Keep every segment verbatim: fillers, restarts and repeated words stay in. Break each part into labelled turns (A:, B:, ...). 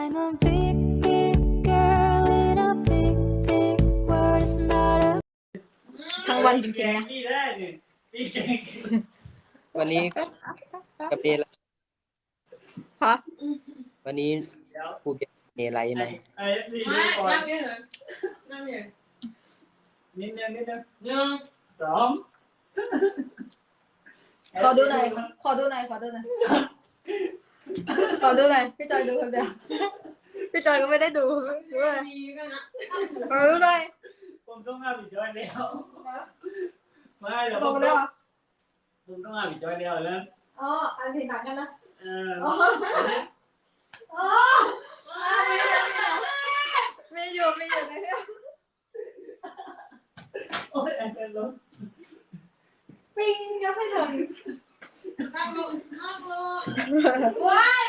A: I'm a big, big girl in a big, big world. It's not a
B: ทั้งวันจริงๆนะ
C: พี่ได้ดิพี่เก่ง
D: วันนี้กับเนร
B: ฮะ
D: วันนี้
C: เดี๋ยว
D: ครูเป็นเนรอะไรไหม
C: ไอเอฟซี
E: ไม่
C: ดูก่อน
E: นั่งเยอะเลยนั่งเยอะ
C: นิดนึงนิดนึง
E: หนึ่ง
C: สอง
B: ขอดูหน่อยขอดูหน่อยขอดูหน่อยขอดูหน่อยพี่จอยดูคนเดียวพี่จอยก็ไม่ได้ดูดูเลย
E: มีกันนะ
B: ขอดูหน่อย
C: ผมต้องห้ามอีกจอยแล้วไม่เดี๋ยว
B: ต
C: ผ
B: รง
C: ม
B: มาแล้ว
C: ผมต้องห้ามอีกจอยแล้วแล้ว
B: อ๋ออันที่หนักกันนะ
C: เออ
B: อ๋ออ๋อไม่ได้ไม่อยู่ไม่อยู่ในเรื่อง
C: โอ้ยแอนเป็นลม
B: ปิ้งยังไม่ถึง
E: นั่งลงนั่งลง
B: ว้าย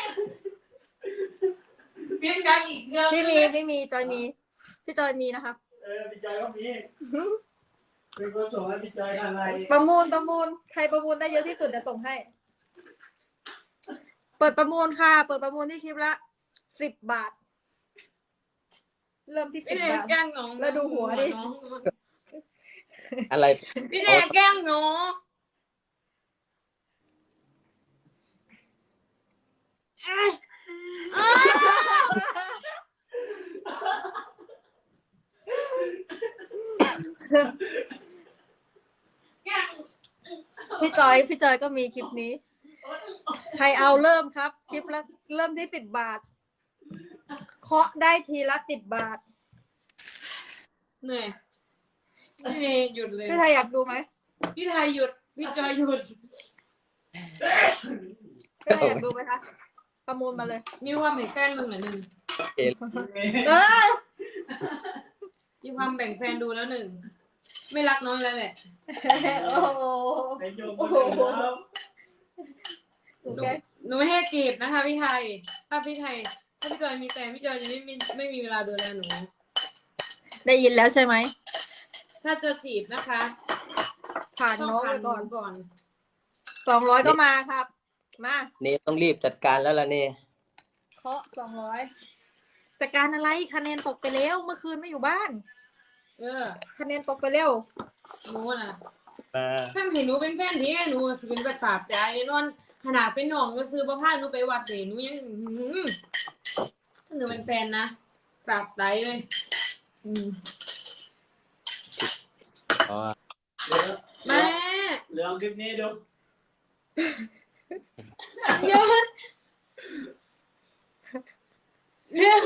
E: เปลี่ยนกันอีกเยอะ
B: ไม่มีไม่มีจอยมีพี่จอยมีนะคะ
C: เออพี่จอยก็มีเป็นคนส่งให้พี่จอยทางไลน์
B: ประมูลประมูลใครประมูลได้เยอะที่สุดจะส่งให้ เปิดประมูลค่ะ เปิดประมูลที่คลิปละสิบบาท เริ่มที่
E: พี่
B: สิบ
E: แดง
B: บาท
E: แกล้งน้อง
B: แล้วดูหัวดิ
D: อะไร
E: พี่แดงแกล้งน้องเอ้ยเอ้ยแกล้ง
B: พี่จอยพี่จอยก็มีคลิปนี้ ใครเอาเริ่มครับ คลิปละเริ่มที่สิบบาท เคาะได้ทีละสิบบาท
E: เหนื่อยพี่เนยหยุดเลย
B: พี่ไทยอยากดูไหม
E: พี่ไทยหยุดพี่จอยหยุด
B: พี่ไทยอยากดูไหมคะ ประมูลมาเลย
E: มีความแบ่งแฟนมึงเหรอหนึ่ง
B: เออ
E: มีความแบ่งแฟนดูแล้วหนึ่งไม่รักน้องแล้วแหละ
B: โอ้โห
C: ไปโยมคนอื่นแล้ว
B: โอเค
E: หนูไม่ให้จีบนะคะพี่ไทย ถ้าพี่ไทย ถ้าพี่จอยมีแฟนพี่จอยจะไม่มีไม่มีเวลาดูแลหนู
B: ได้ยินแล้วใช่ไหม
E: ถ้าจะจีบนะคะ
B: ผ่าน
E: ต้อง
B: น้อง
E: ผ่า
B: ไป
E: นห
B: ก่อน
E: นูก่อน
B: สองร้อยก็มาครับ มา
D: เนรต้องรีบจัดการแล้วล่ะเนร
B: เคาะสองร้อยจัดการอะไรคะแนนตกไปแล้วเมื่อคืนไม่อยู่บ้าน
E: เออ
B: คะแนนตกไปเร็ว
E: หนูน่ะ
D: มา
E: ท่านเห็นหนูเป็นแฟนที่หนูสิเป็นประสาทใจแน่นอนขนาดเป็นน้องก็ซื้อประพาสหนูไปวัดเดหนูยังอื้อหือถ้าหนูเป็นแฟนนะสาบใจเลยอืม
D: อ๋อ
C: เดี๋ยว
E: แม่
C: เรื่องคลิปนี้ดู
E: เยอะเยอะ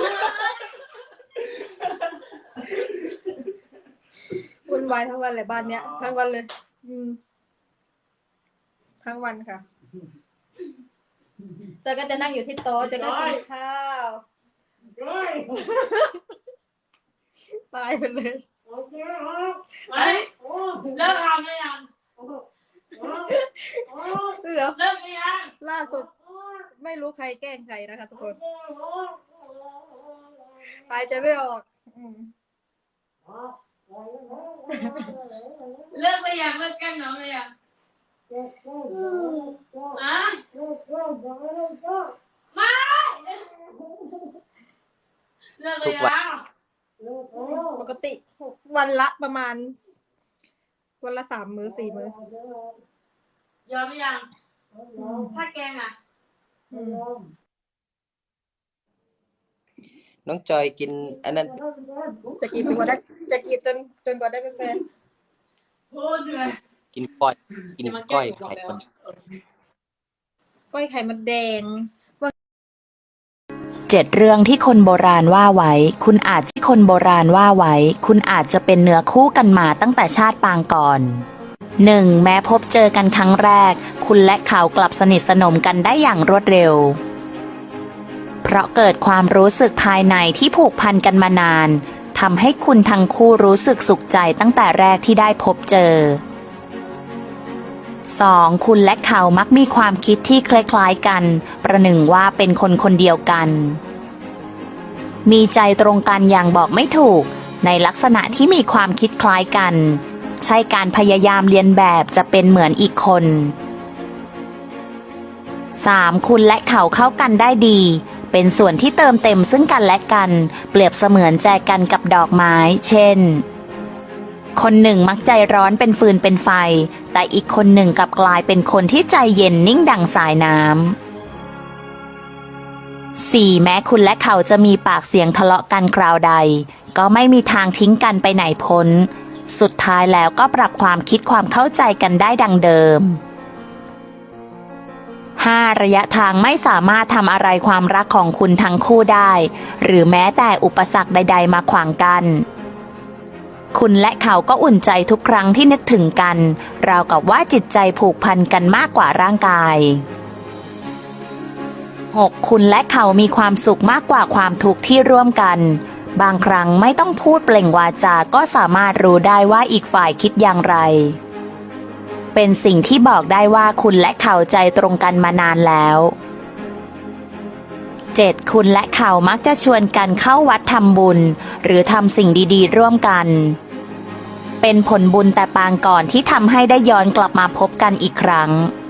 B: วุ่นวายทั้งวันเลยบ้านเนี้ยทั้งวันเลย อืม ทั้งวันค่ะเจอก็จะนั่งอยู่ที่โต๊ะเจอก็กินข้าว
C: เฮ้ย
B: ตายไปเลย
C: โอเคครับ
E: ไปเลิกทำเลยยัง
B: เออ
E: เลิกเลยยัง
B: ล่าสุด ไม่รู้ใครแกล้งใครนะคะทุกคน ตายใจไม่ออก อืม
E: เลิกเลยยังเลิกแกล้งน้องเลยยังอะไม่เลิกเลยยัง
B: ปกติวันละประมาณ วันละสามมื้อสี่มื้อย
E: อมหรือยังถ้าแกงอ่ะ
B: อืม
D: น้องจอยกินอันนั้น
B: จะกีบจนกว่าได้จะกีบจนจนกว่าได้เป็นแฟน
C: โคตรเหนื่อย
D: กินก้อย กินก้อยไข่คน
B: ก้อยไข่มันแดง
F: เจ็ดเรื่องที่คนโบราณว่าไว้ คุณอาจที่คนโบราณว่าไว้ คุณอาจจะเป็นเนื้อคู่กันมาตั้งแต่ชาติปางก่อน หนึ่ง แม้พบเจอกันครั้งแรก คุณและเขากลับสนิทสนมกันได้อย่างรวดเร็ว เพราะเกิดความรู้สึกภายในที่ผูกพันกันมานานทำให้คุณทั้งคู่รู้สึกสุขใจตั้งแต่แรกที่ได้พบเจอ สอง คุณและเขามักมีความคิดที่คล้ายๆกัน ประหนึ่งว่าเป็นคนคนเดียวกัน มีใจตรงกันอย่างบอกไม่ถูก ในลักษณะที่มีความคิดคล้ายกัน ใช่การพยายามเลียนแบบจะเป็นเหมือนอีกคน สาม คุณและเขาเข้ากันได้ดีเป็นส่วนที่เติมเต็มซึ่งกันและกัน เปรียบเสมือนแจกันกับดอกไม้ เช่น คนหนึ่งมักใจร้อนเป็นฟืนเป็นไฟ แต่อีกคนหนึ่งกลับกลายเป็นคนที่ใจเย็นนิ่งดังสายน้ำ สี่ แม้คุณและเขาจะมีปากเสียงทะเลาะกันคราวใด ก็ไม่มีทางทิ้งกันไปไหนพ้น สุดท้ายแล้วก็ปรับความคิดความเข้าใจกันได้ดังเดิม ห้า ระยะทางไม่สามารถทำอะไรความรักของคุณทั้งคู่ได้ หรือแม้แต่อุปสรรคใดๆมาขวางกัน คุณและเขาก็อุ่นใจทุกครั้งที่นึกถึงกัน ราวกับว่าจิตใจผูกพันกันมากกว่าร่างกาย หก คุณและเขามีความสุขมากกว่าความทุกข์ที่ร่วมกัน บางครั้งไม่ต้องพูดเปล่งวาจาก็สามารถรู้ได้ว่าอีกฝ่ายคิดอย่างไร เป็นสิ่งที่บอกได้ว่าคุณและเขาใจตรงกันมานานแล้ว เจ็ด คุณและเขามักจะชวนกันเข้าวัดทำบุญ หรือทำสิ่งดีๆร่วมกัน เป็นผลบุญแต่ปางก่อนที่ทำให้ได้ย้อนกลับมาพบกันอีกครั้ง